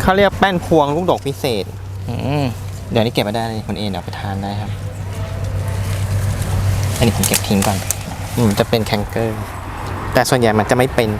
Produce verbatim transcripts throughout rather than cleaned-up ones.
เขาเรียกแป้นพวงลูกดกพิเศษเดี๋ยวนี้เก็บมาได้เลยคนเองเดี๋ยวไปทานได้ครับอันนี้ผมเก็บทิ้งก่อนมันจะเป็นแคนเกอร์แต่ส่วนใหญ่มันจะไม่เป็น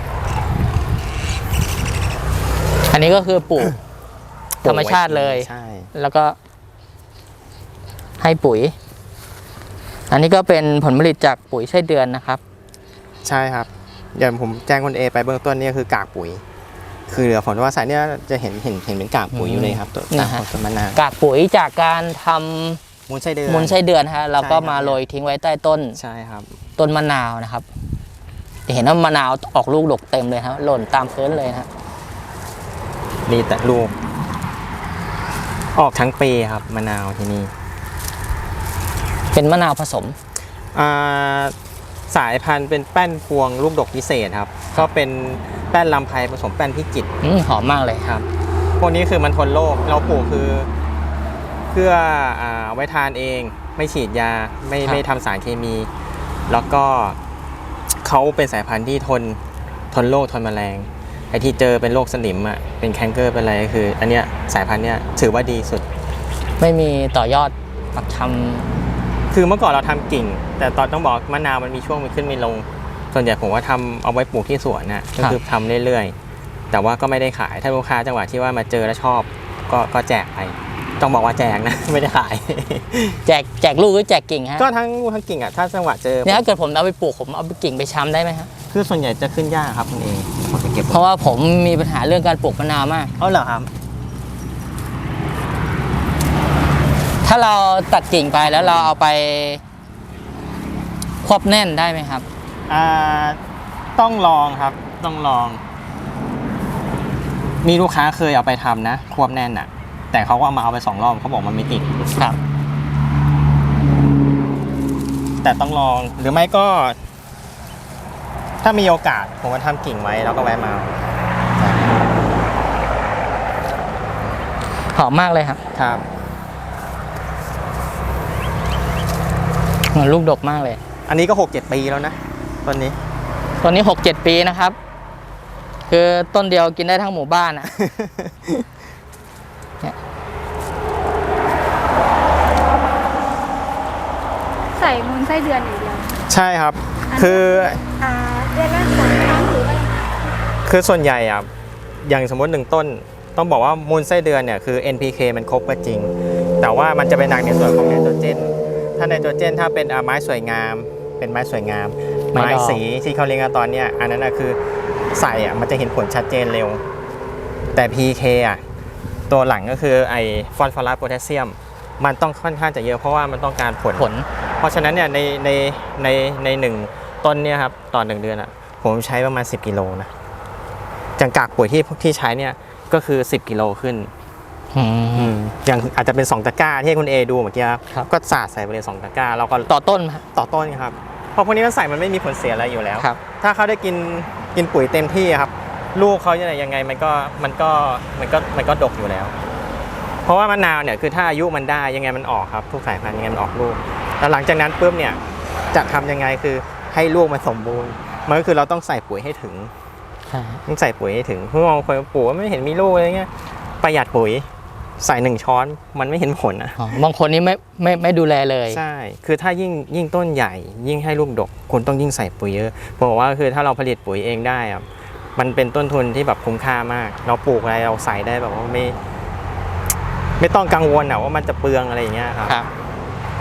อันนี้ก็คือปลูกธรรมชาติเลยใช่แล้วก็ให้ปุ๋ยอันนี้ก็เป็นผลผลิตจากปุ๋ยไส้เดือนนะครับใช่ครับอย่างผมแจ้งคนเอไปเบื้องต้นนี่คือ กากปุ๋ยคือเหลือผลว่าสายเนี้ยจะเห็นเห็นเห็นเป็นกากปุ๋ยอยู่เลยครับตัวตามของต้นมะนาวกากปุ๋ยจากการทำมูลไส้เดือนมูลไส้เดือนฮะเราก็มาโรยทิ้งไว้ใต้ต้นใช่ครับต้นมะนาวนะครับจะเห็นว่ามะนาวออกลูกดกเต็มเลยครับหล่นตามพื้นเลยฮะนี่แต่ลูกออกทั้งปีครับมะนาวที่นี่เป็นมะนาวผสมสายพันธุ์เป็นแป้นพวงลูกดกพิเศษครับก็เป็นแป้นลำไพผสมแป้นพิจิตรหอมมากเลยครับพวกนี้คือมันทนโรคเราปลูกคือเพื่อไว้ทานเองไม่ฉีดยาไม่ไม่ทำสารเคมีแล้วก็เขาเป็นสายพันธุ์ที่ทนทนโรคทนแมลงไอ้ที่เจอเป็นโรคสนิมอ่ะเป็นแคนเกอร์เป็นอะไรคืออันเนี้ยสายพันธุ์เนี้ยถือว่าดีสุดไม่มีต่อยอดปักทำคือเมื่อก่อนเราทำกิ่งแต่ตอนต้องบอกมะนาวมันมีช่วงมันขึ้นไม่ลงส่วนใหญ่ผมว่าทำเอาไว้ปลูกที่สวนน่ะก็คือทำเรื่อยๆแต่ว่าก็ไม่ได้ขายถ้าลูกค้าจังหวะที่ว่ามาเจอแล้วชอบก็ก็แจกไปต้องบอกว่าแจกนะไม่ได้ขายแจกแจกลูกหรือแจกกิ่งฮะก็ทั้งลูกทั้งกิ่งอ่ะถ้าจังหวะเจอเนี่ยถ้าเกิดผมเอาไปปลูกผมเอาไปกิ่งไปช้ำได้ไหมครับคือส่วนใหญ่จะขึ้นยากครับคุณเองผมจะเก็บเพราะว่าผมมีปัญหาเรื่องการปลูกมะนาวมากอ๋อเหรอครับถ้าเราตัดกิ่งไปแล้วเราเอาไปควบแน่นได้ไหมครับอ่าต้องลองครับต้องลองมีลูกค้าเคยเอาไปทำนะควบแน่นอ่ะแต่เขาก็เอามาเอาไปสองรอบเขาบอกมันไม่ติดครับแต่ต้องลองหรือไม่ก็ถ้ามีโอกาสผมก็ทำกิ่งไว้แล้วก็แวะมาหอมมากเลยครับครับลูกดกมากเลยอันนี้ก็หกเจ็ดปีแล้วนะต้นนี้ต้นนี้หกเจ็ดปีนะครับคือต้นเดียวกินได้ทั้งหมู่บ้านอ่ะใส่มูลไส้เดือนอย่างเดียวใช่ครับคืออ่าเดือนละสองครั้งหรือว่าคือส่วนใหญ่อ่ะอย่างสมมติหนึ่งต้นต้องบอกว่ามูลไส้เดือนเนี่ยคือ เอ็น พี เค มันครบก็จริงแต่ว่ามันจะเป็นหนักในส่วนของไนโตรเจนถ้าไนโตรเจนถ้าเป็นไม้สวยงามเป็นไม้สวยงามไม้สีที่เขาเรียกกันตอนนี้อันนั้นคือใส่อ่ะมันจะเห็นผลชัดเจนเร็วแต่ พี เค อ่ะตัวหลังก็คือไอฟอสฟอรัสโพแทสเซียมมันต้องค่อนข้างจะเยอะเพราะว่ามันต้องการผลผลเพราะฉะนั้นเนี่ยในในในในหนึ่งต้นเนี่ยครับต่อหนึ่งเดือนอ่ะผมใช้ประมาณสิบกิโลนะจากกากปุ๋ยที่ที่ใช้เนี่ยก็คือสิบกิโลขึ้นอย่างอาจจะเป็นสองตะกร้าที่คุณเอดูเมื่อกี้ครับก็สาดใส่ไปเลยสองตะกร้าเราก็ต่อต้นต่อต้นครับเพราะพวกนี้มันใส่มันไม่มีผลเสียอะไรอยู่แล้วถ้าเขาได้กินกินปุ๋ยเต็มที่ครับลูกเขาจะยังไงมันก็มันก็มันก็มันก็ดกอยู่แล้วเพราะว่ามะนาวเนี่ยคือถ้าอายุมันได้ยังไงมันออกครับทุกสายพันธุ์ยังไงมันออกลูกแล้วหลังจากนั้นปุ๊บเนี่ยจะทำยังไงคือให้ลูกมันสมบูรณ์มันก็คือเราต้องใส่ปุ๋ยให้ถึงต้องใส่ปุ๋ยให้ถึงเพราะบางคนปลูกไม่เห็นมีลูกอะไรเงี้ยประหยัดปุ๋ยใส่หนึ่งช้อนมันไม่เห็นผลนะบางคนนี่ไม่ไม่ไม่ดูแลเลยใช่คือถ้ายิ่งยิ่งต้นใหญ่ยิ่งให้ลูกดกคุณต้องยิ่งใส่ปุ๋ยเยอะผมบอกว่าคือถ้าเราผลิตปุ๋ยเองได้อะมันเป็นต้นทุนที่แบบคุ้มค่ามากเราปลูกอะไรเราใส่ได้แบบว่าไม่ไม่ต้องกังวลนะว่ามันจะเปลืองอะไรอย่างเงี้ยครับ